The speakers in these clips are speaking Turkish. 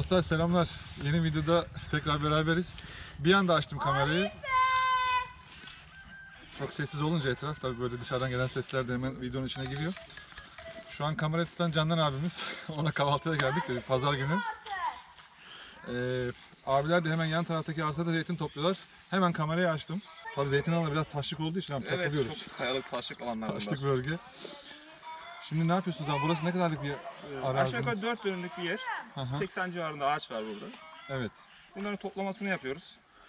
Dostlar selamlar. Yeni videoda tekrar beraberiz. Bir anda açtım kamerayı. Çok sessiz olunca etraf, tabii böyle dışarıdan gelen sesler de hemen videonun içine giriyor. Şu an kamerayı tutan Candan abimiz. Ona kahvaltıya geldik de bir pazar günü. Abiler de hemen yan taraftaki arsada zeytin topluyorlar. Hemen kamerayı açtım. Tabii zeytin alanı biraz taşlık olduğu için Evet, takılıyoruz. çok kayalık taşlık alanlar bunlar. Taşlık bölge. Şimdi ne yapıyorsunuz abi? Burası ne kadarlık bir arazi? Aşağı yukarı 4 dönümlük bir yer. Hı. 80 civarında ağaç var burada. Evet. Bunların toplamasını yapıyoruz.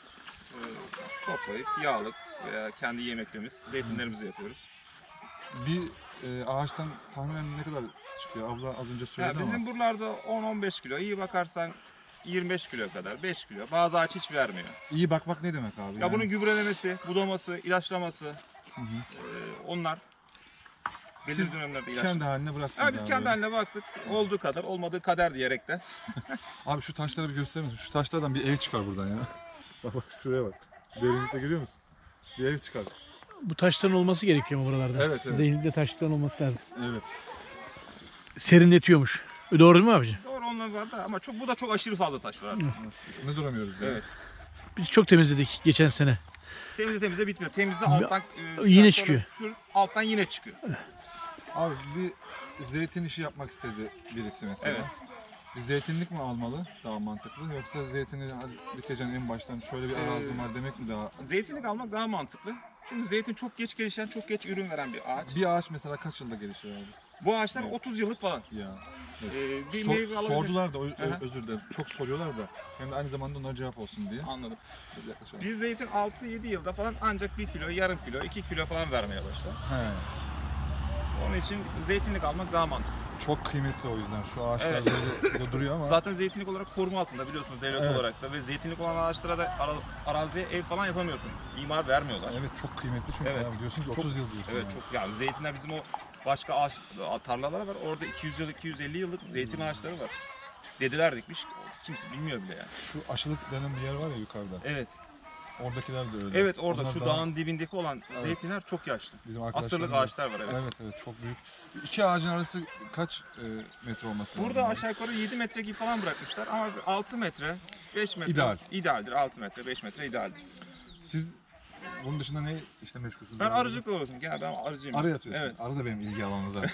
Toplayıp yağlık veya kendi yemeklerimiz, zeytinlerimizi yapıyoruz. Bir ağaçtan tahminen ne kadar çıkıyor? Abla az önce söyledi Bizim ama. buralarda 10-15 kilo, iyi bakarsan 25 kilo kadar, 5 kilo. Bazı ağaç hiç vermiyor. İyi bakmak ne demek abi? Ya bunun gübrelemesi, budaması, ilaçlaması, Hı. onlar belirli Siz dönemlerde ilaç. kendi haline bıraktınız. Biz abi kendi böyle. haline baktık. Olduğu kadar, olmadığı kader diyerek de. Abi şu taşları bir gösterir misin? Şu taşlardan bir ev çıkar buradan ya. Bak şuraya bak. Derinlikte görüyor musun? Bir ev çıkar. Bu taşların olması gerekiyor mu buralarda? Evet, evet. Zeytinlikte taşların olması lazım. Evet. Serinletiyormuş. Doğru değil mi abicim? Doğru, onlar var da ama bu da çok aşırı fazla taş var artık. Ne duramıyoruz ya. Evet. Biz çok temizledik geçen sene. Temizle bitmiyor. Temizle alttan yine sonra çıkıyor. alttan yine çıkıyor. Abi bir zeytin işi yapmak istedi birisi mesela. Evet. Bir zeytinlik mi almalı daha mantıklı, yoksa zeytini dikeceksin en baştan şöyle bir arazim var demek mi daha? Zeytinlik almak daha mantıklı. Çünkü zeytin çok geç gelişen, çok geç ürün veren bir ağaç. Bir ağaç mesela kaç yılda gelişiyor abi? Bu ağaçlar Evet. 30 yıllık falan. Ya. Bir So- meyve alabilir. sordular da Aha. özür dilerim. Çok soruyorlar da hem de aynı zamanda onlara cevap olsun diye. Anladım. Yaklaşalım. Bir zeytin 6-7 yılda falan ancak 1 kilo, yarım kilo, 2 kilo falan vermeye başlar. He. Onun için zeytinlik almak daha mantıklı. Çok kıymetli o yüzden. Şu ağaçlar Evet. böyle duruyor ama. Zaten zeytinlik olarak koruma altında biliyorsunuz devlet Evet. olarak da ve zeytinlik olan ağaçlara da araziye ev falan yapamıyorsun. İmar vermiyorlar. Evet, çok kıymetli çünkü Evet. abi diyorsun ki Çok- 30 yıl diyorsun. Evet yani. çok, ya zeytinler bizim o başka ağaç tarlalar var. Orada 200 yıl 250 yıllık zeytin ağaçları var. Dedeler dikmiş. Kimse bilmiyor bile yani. Şu aşılık denen bir yer var ya yukarıda. Evet. Oradakiler de öyle. Evet orada Onlar şu daha- dağın dibindeki olan Evet. zeytinler çok yaşlı. bizim Asırlık arkadaşlarımız da- ağaçlar var evet. Evet evet, çok büyük. İki ağacın arası kaç metre olması lazım? Burada aşağı yukarı 7 metre gibi falan bırakmışlar ama 6 metre, 5 metre İdeal. idealdir. 6 metre, 5 metre idealdir. Siz bunun dışında ne işte meşgulsünüz? Ben abi? arıcılıkla uğraşıyorum. Gel ben arıcıyım. Arı yatıyorsun. Evet. Arı da benim ilgi alanım zaten.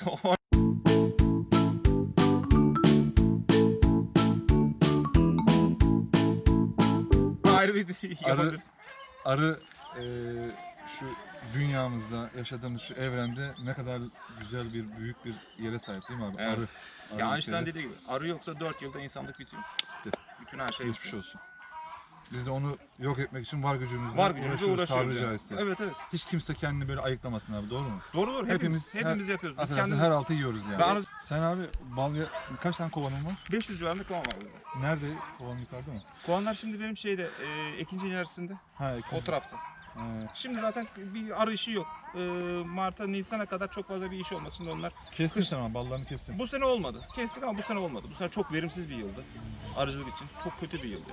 Ayrı bir yapabiliriz. Arı şu dünyamızda yaşadığımız şu evrende ne kadar güzel bir büyük bir yere sahip değil mi abi? Evet. Arı. Ya Arı Einstein ülkede. dediği gibi arı yoksa 4 yılda insanlık bitiyor. Bitti. Bütün her şey Geçmiş bitiyor. olsun. Biz de onu yok etmek için var gücümüzle Var gücümüzle uğraşıyoruz. tabiri Yani. caizse. Evet evet. Hiç kimse kendini böyle ayıklamasın abi, doğru mu? Doğru doğru. Hepimiz Hepimiz yapıyoruz. Biz Affedersin, kendimiz her altı yiyoruz yani. Ben arı- Sen abi kaç tane kovanın var? 500 civarında kovan var burada. Nerede? Kovan yukarıda mı? Kovanlar şimdi benim şeyde Ekinci ilerisinde Ha, o tarafta. He. Şimdi zaten bir arı işi yok. Mart'a Nisan'a kadar çok fazla bir iş olmaz. Şimdi onlar Kestin sen ama ballarını kestin. bu sene olmadı. Kestik ama bu sene olmadı. Bu sene çok verimsiz bir yıldı. Arıcılık için çok kötü bir yıldı.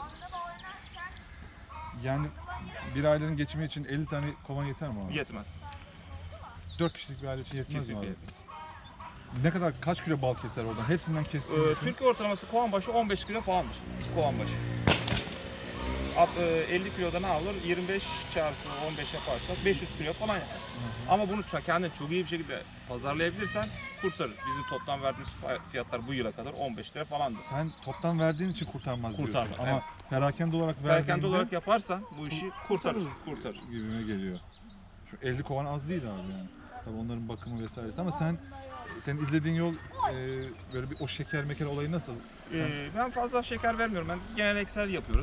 Yani bir ailenin geçimi için 50 tane kovan yeter mi abi? Yetmez. 4 kişilik bir aile için yetmez mi Kesinlikle abi? yetmez. Ne kadar, kaç kilo bal keser oradan? Hepsinden kestiğini düşün. Türkiye ortalaması kovan başı 15 kilo falandır. Kovan başı. 50 kiloda ne alır? 25 çarpı 15 yaparsak 500 kilo falan yapar. Ama bunu kendin çok iyi bir şekilde pazarlayabilirsen kurtarır. Bizim toplam verdiğimiz fiyatlar bu yıla kadar 15 lira falandır. Sen toptan verdiğin için kurtarmaz diyorsun. Kurtarmaz, Ama evet. perakende olarak verdiğinde Perakende olarak yaparsan bu işi kurtarır. gibime geliyor. Şu 50 kovan az değil abi yani. Tabii onların bakımı vesairesi ama senin izlediğin yol böyle bir o şeker meker olayı nasıl? Ben fazla şeker vermiyorum. Ben geleneksel yapıyoruz.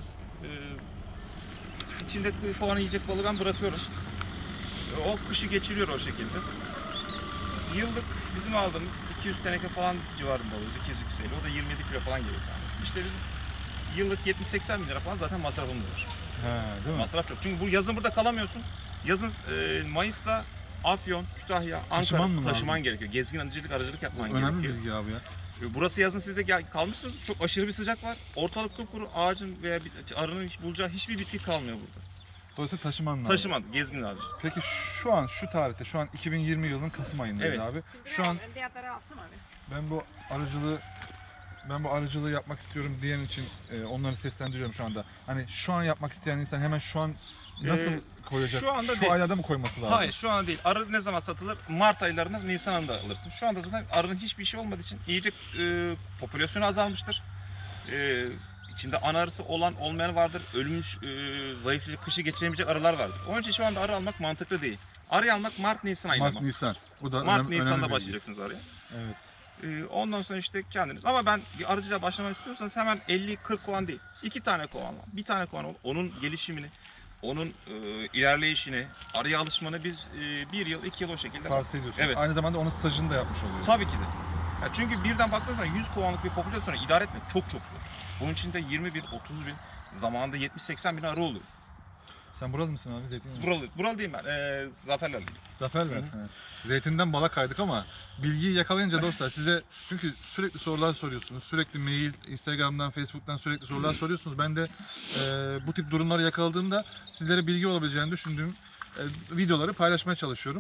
İçinde kovan yiyecek balığı ben bırakıyorum. O kışı geçiriyor o şekilde. Yıllık bizim aldığımız 200 teneke falan civarında oluyor. 200-250. O da 27 kilo falan geliyor. İşte bizim yıllık 70-80 bin lira falan zaten masrafımız var. He, değil mi? Masraf çok. Çünkü bu yazın burada kalamıyorsun. Yazın Mayıs'ta Afyon, Kütahya, Taşıman mı Ankara taşıman lazım? gerekiyor. Gezgin arıcılık yapman Önemli gerekiyor. bilgi abi ya. Burası yazın siz de kalmışsınız. Çok aşırı bir sıcak var. Ortalık kupkuru, ağacın veya arının bulacağı hiçbir bitki kalmıyor burada. Dolayısıyla taşıman lazım. Taşımadı, gezgin arıcı. Peki şu an şu tarihte, şu an 2020 yılının Kasım ayındayız Evet. abi. Şu an ben bu arıcılığı ben bu arıcılığı yapmak istiyorum diyen için onları seslendiriyorum şu anda. Hani şu an yapmak isteyen insan hemen şu an nasıl koyacak? şu anda şu değil. aylarda mı koyması lazım? Hayır şu an değil. Arı ne zaman satılır? Mart aylarında, Nisan ayında alırsın. Şu anda zaten arının hiçbir şey olmadığı için iyice popülasyonu azalmıştır. İçinde ana arısı olan olmayan vardır. Ölmüş, zayıflayıcı, kışı geçiremeyecek arılar vardır. Onun için şu anda arı almak mantıklı değil. Arı almak Mart, Nisan ayında. Mart, Nisan. Bu da Mart, önemli Nisan'da bir bilgi. başlayacaksınız arıya. Evet. Ondan sonra işte kendiniz. Ama ben bir arıcılığa başlamak istiyorsanız hemen 50-40 kovan değil. 2 tane kovanla, bir tane kovan ol. Onun gelişimini, onun ilerleyişini, arıya alışmanı biz 1 yıl, 2 yıl o şekilde. Tavsiye ediyorsun. Evet. Aynı zamanda onun stajını da yapmış oluyor. Tabii ki de. Ya çünkü birden baktığınız zaman 100 kovanlık bir popülasyonu idare etmek çok zor. Bunun içinde 20 bin, 30 bin, zamanında 70-80 bin arı oluyor. Sen buralı mısın abi? Zeytinyağı. Buralı değilim ben. Zaferlerliyim. Zafer. Zeytinden bala kaydık ama bilgiyi yakalayınca dostlar size çünkü sürekli sorular soruyorsunuz. Sürekli mail, Instagram'dan, Facebook'tan sürekli sorular soruyorsunuz. Ben de bu tip durumları yakaladığımda sizlere bilgi olabileceğini düşündüğüm videoları paylaşmaya çalışıyorum.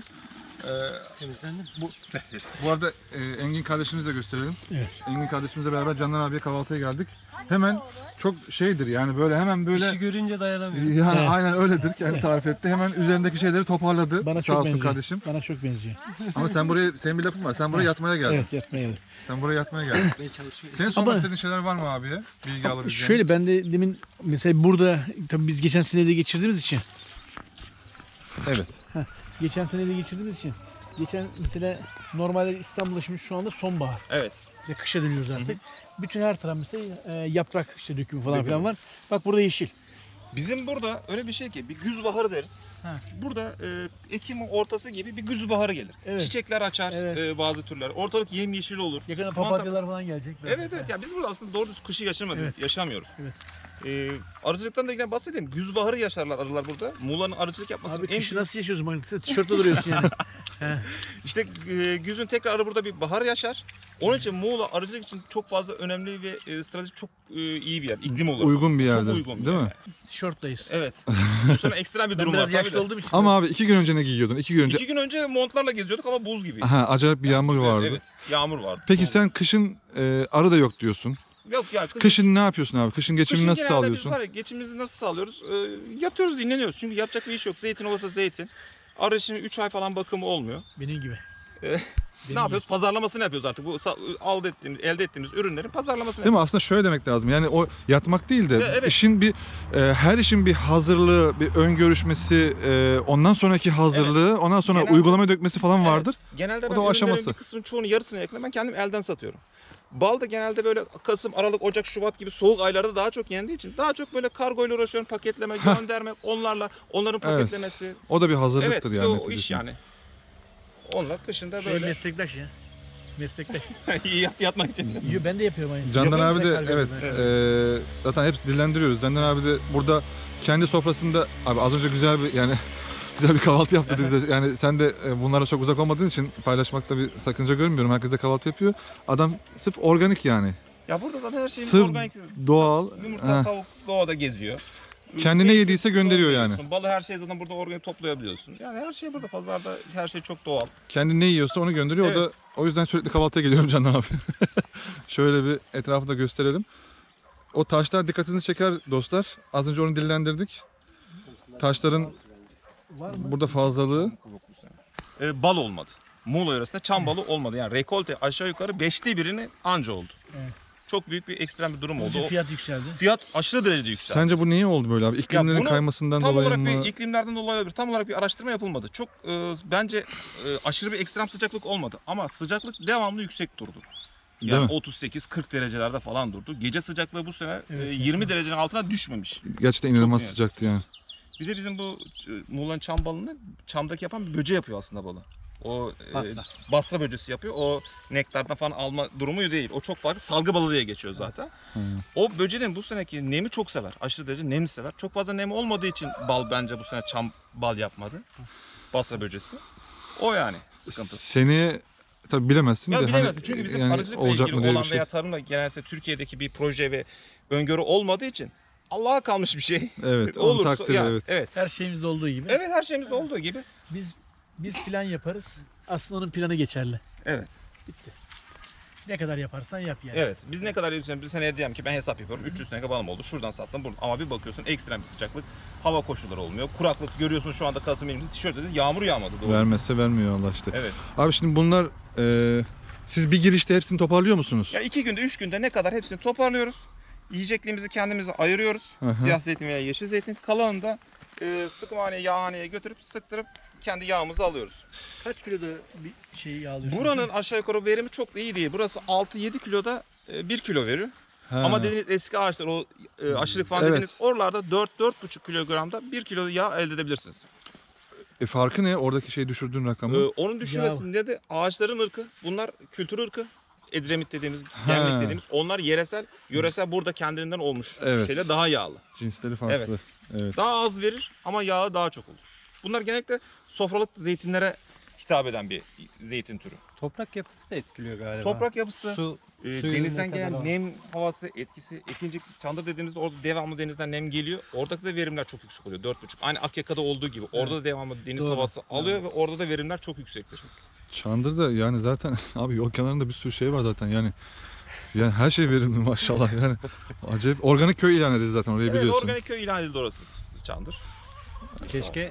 Bu arada Engin kardeşimizle gösterelim. Evet. Engin kardeşimizle beraber Candan abiye kahvaltıya geldik. Hemen çok şeydir yani böyle hemen böyle İşi görünce dayanamıyor. yani Evet. aynen öyledir kendi tarif etti. Hemen üzerindeki şeyleri toparladı. Bana Sağ çok olsun benziyor. kardeşim. Bana çok benziyor. Ama sen buraya senin bir lafın var. Sen buraya yatmaya geldin. Evet, yapmaya geldim. Sen buraya yatmaya geldin. Ben çalışmıyorum. Senin sormak Ama- istediğin şeyler var mı abiye? Bilgi alabileceğin. Şöyle ben de demin mesela burada tabii biz geçen sene de geçirdiğimiz için Evet. geçen mesela normalde İstanbul'da şimdi şu anda sonbahar. Evet. İşte kışa dönüyoruz artık. Bütün her taraf mesela yaprak işte dökümü falan filan var. Bak burada yeşil. Bizim burada öyle bir şey ki bir güz baharı deriz. Ha. Burada Ekim ortası gibi bir güz baharı gelir. Evet. Çiçekler açar Evet. bazı türler. Ortalık yemyeşil olur. Yakında Mantar- papatyalar falan gelecek. Evet evet ya biz burada aslında doğru düz kışı yaşamadık, Evet. yaşamıyoruz. Evet. Arıcılıktan da yine bahsedeyim. Güz baharı yaşarlar arılar burada. Muğla'nın arıcılık yapmasının Abi en kışı büyük... nasıl yaşıyorsun? Bak sen tişörtte duruyorsun yani. İşte güzün tekrar arı burada bir bahar yaşar. Onun için Muğla arıcılık için çok fazla önemli ve stratejik çok iyi bir yer. İklim olarak. Uygun bir Çok yerdir. uygun bir Değil yer mi? yani. Tişörtteyiz. Evet. Bu sene ekstrem bir Ben durum var. biraz tabii yaşlı de. olduğum için. Ama abi 2 gün önce ne giyiyordun? 2 gün önce 2 gün önce montlarla geziyorduk ama buz gibi. aha, acayip bir yağmur vardı. Evet, yağmur vardı. Peki Soğuk. sen kışın arı da yok diyorsun. Yok ya Kışın ne yapıyorsun abi? Kışın geçimini nasıl genelde sağlıyorsun? Biz var ya, geçimimizi nasıl sağlıyoruz? Yatıyoruz, dinleniyoruz. Çünkü yapacak bir iş yok. Zeytin olursa zeytin. Arı şimdi 3 ay falan bakımı olmuyor. Benim gibi. Ne yapıyoruz? Pazarlamasını yapıyoruz artık. Bu elde ettiğimiz ürünlerin pazarlamasını Değil mi? Aslında şöyle demek lazım. Yani o yatmak değil de evet. işin bir her işin bir hazırlığı, bir ön görüşmesi, ondan sonraki hazırlığı, ondan sonra Genelde- uygulamaya dökmesi falan Evet. vardır. Genelde O ben da o ürünlerin aşaması. bir kısmının çoğunu yarısını yakın ben kendim elden satıyorum. Bal da genelde böyle Kasım, Aralık, Ocak, Şubat gibi soğuk aylarda daha çok yendiği için daha çok böyle kargoyla uğraşıyorum. Paketleme, gönderme, onların Evet. paketlemesi. O da bir Evet, hazırlıktır bir de yani. o iş yani. Onlar kışında Böyle. böyle Meslektaş ya. Meslektaş. yatmak için. Yo, ben de yapıyorum aynı. Candan Yapıyorum abi da de kalbim evet ben. zaten hep dillendiriyoruz. Candan abi de burada kendi sofrasında abi az önce güzel bir yani güzel bir kahvaltı yaptı bize. Yani sen de bunlara çok uzak olmadığın için paylaşmakta bir sakınca görmüyorum. Herkes de kahvaltı yapıyor. Adam sırf organik yani. Ya burada zaten her şeyimiz Sırf organik. doğal. Yumurta, Heh. tavuk doğada geziyor. Kendine Zeytin yediyse gönderiyor yani. toplayabiliyorsun. Balı her şeyi zaten burada organik toplayabiliyorsun. Yani her şey burada pazarda her şey çok doğal. Kendi ne yiyorsa onu gönderiyor. Evet. O da o yüzden sürekli kahvaltıya geliyorum Candan abi. Şöyle bir etrafı da gösterelim. O taşlar dikkatinizi çeker dostlar. Az önce onu dillendirdik. Taşların Var mı? burada fazlalığı. Bal olmadı. Muğla yöresinde çam balı olmadı. Yani rekolte aşağı yukarı 5'te birini anca oldu. Evet. Çok büyük bir ekstrem bir durum oldu. Önce O fiyat yükseldi. fiyat aşırı derecede yükseldi. Sence bu niye oldu böyle abi? İklimlerin bunu kaymasından Tam dolayı olarak mı? bir iklimlerden dolayı olabilir. Tam olarak bir araştırma yapılmadı. Çok bence aşırı bir ekstrem sıcaklık olmadı. Ama sıcaklık devamlı yüksek durdu. Değil Yani mi? 38-40 derecelerde falan durdu. Gece sıcaklığı bu sene Evet, 20 derecenin altına düşmemiş. Gerçekten inanılmaz Çok sıcaktı yani. Bir de bizim bu Muğla'nın çam balını çamdaki yapan bir böce yapıyor aslında balı. O Basra. basra böcesi yapıyor. O nektardan falan alma durumu değil. O çok farklı. Salgı balı diye geçiyor zaten. O böceğin bu seneki nemi çok sever. Aşırı derece nemi sever. Çok fazla nemi olmadığı için bal bence bu sene çam bal yapmadı. Basra böcesi. O yani sıkıntı. Seni tabii bilemezsin Ya de bilemezsin. hani, Çünkü bizim yani arıcılıkla olacak ilgili mı diye olan bir şey. veya tarımla genelde Türkiye'deki bir proje ve öngörü olmadığı için Allah'a kalmış bir şey. Evet, onun Olursa takdiri yani, evet. evet. Her şeyimizde olduğu gibi. Evet her şeyimizde olduğu gibi. Biz plan yaparız. Aslında onun planı geçerli. Evet. Bitti. Ne kadar yaparsan yap yani. Evet. Biz ne kadar yapıyoruz? Bir seneye diyelim ki ben hesap yapıyorum. 300 teneke balım oldu. Şuradan sattım. Buradan. Ama bir bakıyorsun ekstrem bir sıcaklık. Hava koşulları olmuyor. Kuraklık görüyorsun şu anda Kasım elimizde tişört dedi. Yağmur yağmadı. Doğru. Vermezse vermiyor Allah işte. Evet. Abi şimdi bunlar siz bir girişte hepsini toparlıyor musunuz? Ya 2 günde 3 günde ne kadar hepsini toparlıyoruz. Yiyecekliğimizi kendimize ayırıyoruz. Hı hı. Siyah zeytin veya yeşil zeytin. Kalanını da sıkımhaneye, yağhaneye götürüp sıktırıp kendi yağımızı alıyoruz. Kaç kiloda bir şey yağlıyorsun? Buranın aşağı yukarı verimi çok da iyi değil. Burası 6-7 kiloda 1 kilo veriyor. Ha. Ama dediğiniz eski ağaçlar, o aşırılık falan Evet. dediğiniz oralarda 4-4,5 kilogramda 1 kilo yağ elde edebilirsiniz. Farkı ne? Oradaki şey düşürdüğün rakamı. Onun düşürmesinde de ağaçların ırkı, bunlar kültür ırkı. Edremit dediğimiz, gemlik dediğimiz, onlar yöresel burada kendiliğinden olmuş Evet. şeyler daha yağlı. Cinsleri farklı. Evet. Evet. Daha az verir ama yağı daha çok olur. Bunlar genellikle sofralık zeytinlere hitap eden bir zeytin türü. Toprak yapısı da etkiliyor galiba. Toprak yapısı, Su, suyun denizden ne kadar gelen var? nem havası etkisi, ikinci çandır dediğimizde orada devamlı denizden nem geliyor. Oradaki de verimler çok yüksek oluyor. 4,5. Aynı Akyaka'da olduğu gibi. Orada da devamlı deniz Doğru. havası alıyor ve orada da verimler çok yüksektir. Çandır'da yani zaten abi yol kenarında bir sürü şey var zaten yani her şey verimli maşallah yani acayip organik köy ilan edildi zaten orayı Evet, biliyorsun. organik köy ilan edildi orası. Çandır. Keşke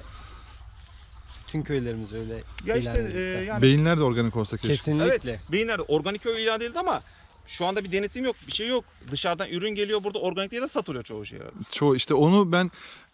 tüm köylerimiz öyle Ya ilan işte edilse. yani Beyinler de organik olsa keşke. Kesinlikle. Beyinler'de organik köy ilan edildi ama şu anda bir denetim yok, bir şey yok. Dışarıdan ürün geliyor, burada organik diye de satılıyor çoğu şey. Çoğu işte onu ben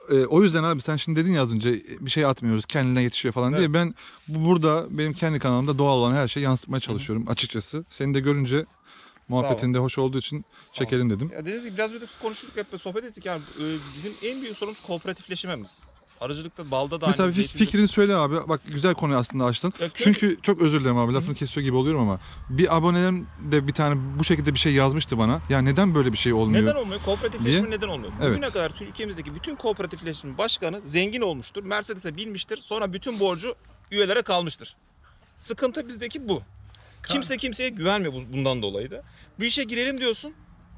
o yüzden abi sen şimdi dedin ya az önce bir şey atmıyoruz kendine yetişiyor falan diye Evet. ben burada benim kendi kanalımda doğal olan her şeyi yansıtmaya çalışıyorum açıkçası. Seni de görünce muhabbetinde hoş olduğu için çekelim dedim. Ya dediğiniz gibi biraz önce konuştuk, hep sohbet ettik yani bizim en büyük sorunumuz kooperatifleşmemiz. Arıcılıkta, balda da Mesela aynı. fikrini söyle abi. Bak güzel konu aslında açtın. Ya köy- Çünkü çok özür dilerim abi lafını kesiyor gibi oluyorum ama bir abonelerim de bir tane bu şekilde bir şey yazmıştı bana. Ya neden böyle bir şey olmuyor? Neden olmuyor? Kooperatifleşme neden olmuyor? Evet. Bugüne kadar ülkemizdeki bütün kooperatifleşme başkanı zengin olmuştur. Mercedes'e binmiştir. Sonra bütün borcu üyelere kalmıştır. Sıkıntı bizdeki bu. Kimse kimseye güvenmiyor bundan dolayı da. Bir işe girelim diyorsun.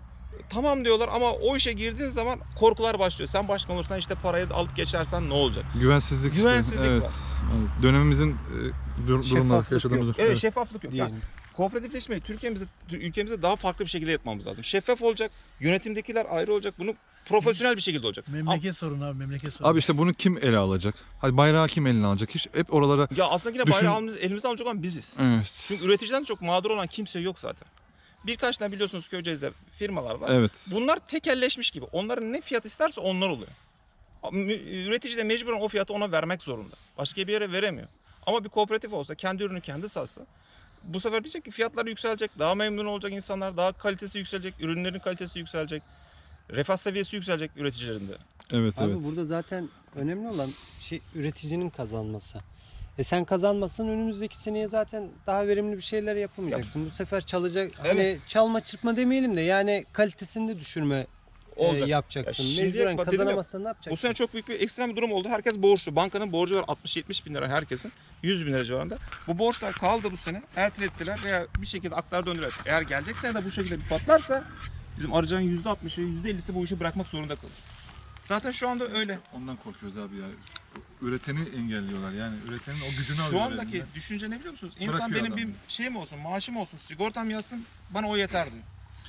Tamam diyorlar ama o işe girdiğin zaman korkular başlıyor. Sen başkan olursan işte parayı alıp geçersen ne olacak? Güvensizlik işte. Güvensizlik Evet. var. Evet. Dönemimizin durumları Şeffaflık yaşadığımız. yok. Evet, şeffaflık yok. Yani Diyelim. kooperatifleşmeyi ülkemizde daha farklı bir şekilde yapmamız lazım. Şeffaf olacak, yönetimdekiler ayrı olacak, bunu profesyonel bir şekilde olacak. Memleket sorunu abi, memleket sorunu. Abi işte bunu kim ele alacak? Hadi bayrağı kim eline alacak? Hiç hep oralara Ya aslında yine Düşün- bayrağı elimizde alacak olan biziz. evet. Çünkü üreticiden çok mağdur olan kimse yok zaten. Birkaç tane biliyorsunuz Köyceğiz'de firmalar var. Evet. Bunlar tekelleşmiş gibi. Onların ne fiyat isterse onlar oluyor. Üretici de mecburen o fiyatı ona vermek zorunda. Başka bir yere veremiyor. Ama bir kooperatif olsa, kendi ürünü kendi satsa, bu sefer diyecek ki fiyatları yükselecek, daha memnun olacak insanlar, daha kalitesi yükselecek, ürünlerin kalitesi yükselecek, refah seviyesi yükselecek üreticilerin de. Evet Abi evet. burada zaten önemli olan şey üreticinin kazanması. Sen kazanmasın önümüzdeki seneye zaten daha verimli bir şeyler yapamayacaksın. Bu sefer çalacak hani çalma çırpma demeyelim de yani kalitesini de düşürme Olacak. yapacaksın. Ya şimdiye Mecburen bak dedim ya, kazanamazsan ne yapacaksın? Bu sene çok büyük bir ekstrem bir durum oldu. Herkes borçlu. Bankanın borcu var 60-70 bin lira herkesin. 100 bin lira civarında. Bu borçlar kaldı bu sene. Ertelettiler veya bir şekilde aktar döndüler. Eğer gelecek sene de bu şekilde bir patlarsa bizim arıcının %60'ı %50'si bu işi bırakmak zorunda kalır. Zaten şu anda öyle. Ondan korkuyoruz abi ya. Üreteni engelliyorlar yani üretenin o gücünü Şu alıyorlar. andaki elinden. düşünce ne biliyor musunuz? İnsan Bırakıyor benim adam. bir şeyim olsun, maaşım olsun, sigortam yazsın, bana o yeter diyor.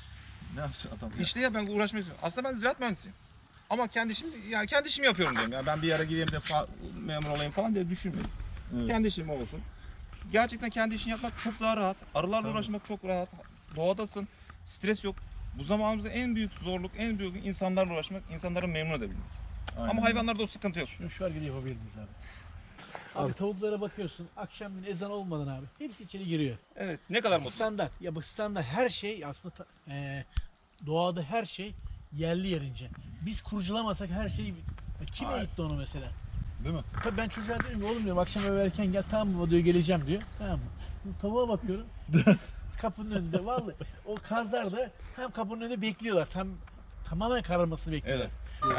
Ne yapsın adam ya? İşte ya ben uğraşmak istiyorum. Aslında ben ziraat mühendisiyim. Ama kendi işimi yapıyorum diyorum. Yani ben bir yere gideyim de memur olayım falan diye düşünmüyorum. Evet. Kendi işim olsun. Gerçekten kendi işini yapmak çok daha rahat. Arılarla Tabii. uğraşmak çok rahat. Doğadasın. Stres yok. Bu zamanımızda en büyük zorluk, en büyük insanlarla uğraşmak, insanları memnun edebilmek. Aynen. Ama hayvanlarda o sıkıntı yok. Şu hareket yapabilir miyiz abi? Abi tavuklara bakıyorsun, akşam bir ezan olmadan abi hepsi içeri giriyor. Evet. Ne kadar mutlu. Standart. Ya bak standart her şey aslında doğada her şey yerli yerince. Biz kurcalamasak her şey kime Hayır. eğitti onu mesela? Değil mi? Tabii ben çocuğa diyorum ki oğlum diyorum akşam eve erken gel tamam baba diyor geleceğim diyor. Tamam mı? Şimdi tavuğa bakıyorum. Kapının önünde vallahi o kazlar da tam kapının önünde bekliyorlar. Tamamen kararmasını bekliyorlar.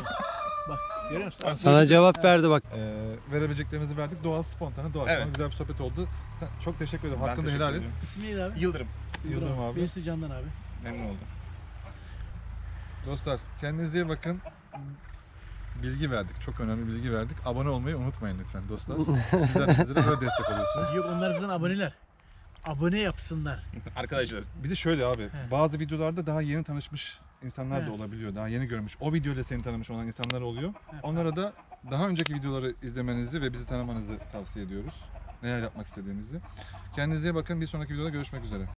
Bak görüyor musun? Sana cevap verdi bak. Verebileceklerimizi verdik. Doğal, spontane, doğal. Evet. Güzel bir sohbet oldu. Çok teşekkür ederim. Ben Hakkını da teşekkür helal et. ediyorum. İsmi neydi abi? Yıldırım. Yıldırım abi. Birisi Candan abi. Memnun oldum. Dostlar kendinize iyi bakın. Bilgi verdik. Çok önemli bilgi verdik. Abone olmayı unutmayın lütfen dostlar. Sizler bizlere böyle destek oluyorsunuz. Yok onlar zaten aboneler. abone yapsınlar. Arkadaşlar. Bir de şöyle abi, He. bazı videolarda daha yeni tanışmış insanlar da He. olabiliyor. Daha yeni görmüş. O videoyla seni tanımış olan insanlar oluyor. Onlara da daha önceki videoları izlemenizi ve bizi tanımanızı tavsiye ediyoruz. Neler yapmak istediğimizi. Kendinize iyi bakın. Bir sonraki videoda görüşmek üzere.